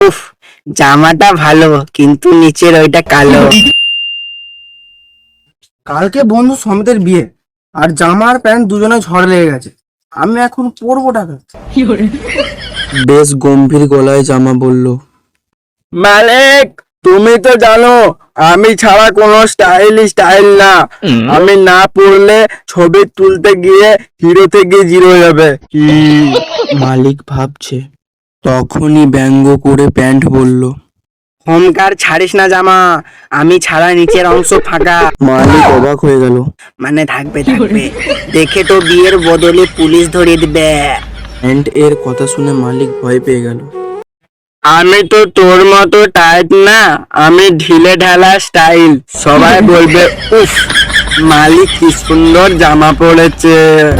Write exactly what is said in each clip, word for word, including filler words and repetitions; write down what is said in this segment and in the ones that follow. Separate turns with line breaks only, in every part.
উফ, জামাটা ভালো কিন্তু নিচের ওইটা কালো।
কালকে বন্ধু সমিতের বিয়ে, আর জামা আর প্যান্ট দুজনে ঝড় লেগে গেছে। আমি এখন পরবো টাকা।
বেশ গম্ভীর গলায় জামা বলল,
মালিক, তুমি তো জানো আমি ছাড়া কোনো স্টাইল স্টাইল না। আমি না পড়লে ছবি তুলতে গিয়ে হিরো থেকে জিরো হয়ে যাবে।
মালিক ভাবছে। তখনই ব্যঙ্গ করে প্যান্ট বলল।
হোমকার ছাড়িস না জামা, আমি ছাড়া নিচের অংশ ফাঁকা।
মালিক অবাক হয়ে গেল।
মানে থাকবে থাকবে, দেখে তো বিয়ের বদলে পুলিশ ধরিয়ে দিবে।
প্যান্ট এর কথা শুনে মালিক ভয় পেয়ে গেল।
আমি তো তোর মতো টাইট না, আমি ঢিলে ঢালা স্টাইল। সবাই বলবে উফ, মালিক কি সুন্দর জামা পড়েছে।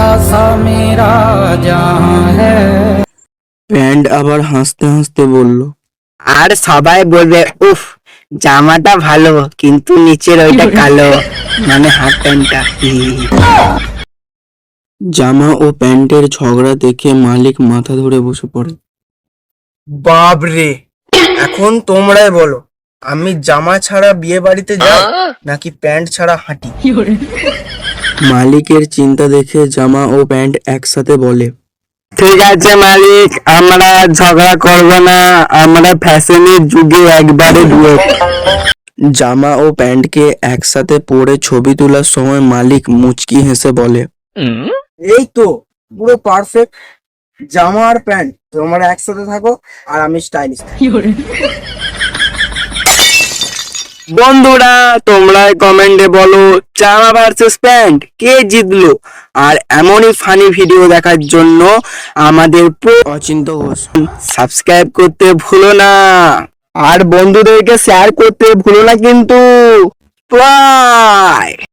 প্যান্ট আবার হাসতে হাসতে বলল,
আর সবাই বলবে উফ, জামাটা ভালো কিন্তু নিচের ওইটা কালো, মানে হাফ প্যান্টটা।
জামা ও প্যান্টের ঝগড়া দেখে মালিক মাথা ধরে বসে পড়ে।
বাবরে, এখন তোমরাই বলো, আমি জামা ছাড়া বিয়ে বাড়িতে যাই নাকি প্যান্ট ছাড়া হাঁটি?
মালিকের চিন্তা দেখে জামা ও প্যান্ট একসাথে বলে,
ঠিক আছে মালিক, আমরা আর ঝগড়া করব না, আমরা ফ্যাশনের যুগে একবারে ডুয়েট।
জামা ও প্যান্টকে একসাথে পরে ছবি তোলার সময় মালিক মুচকি হেসে বলে,
এই তো পুরো পারফেক্ট। জামা আর প্যান্ট তোমরা একসাথে থাকো আর আমি স্টাইলিশ।
বন্ধুরা, তোমরা কমেন্টে বলো জামা ভার্সেস প্যান্ট কে জিতলো। আর এমনই ফানি ভিডিও দেখার জন্য আমাদের
অচিন্ত ঘোষ।
সাবস্ক্রাইব করতে ভুলো না, আর বন্ধুদেরকে শেয়ার করতে ভুলো না কিন্তু। বাই।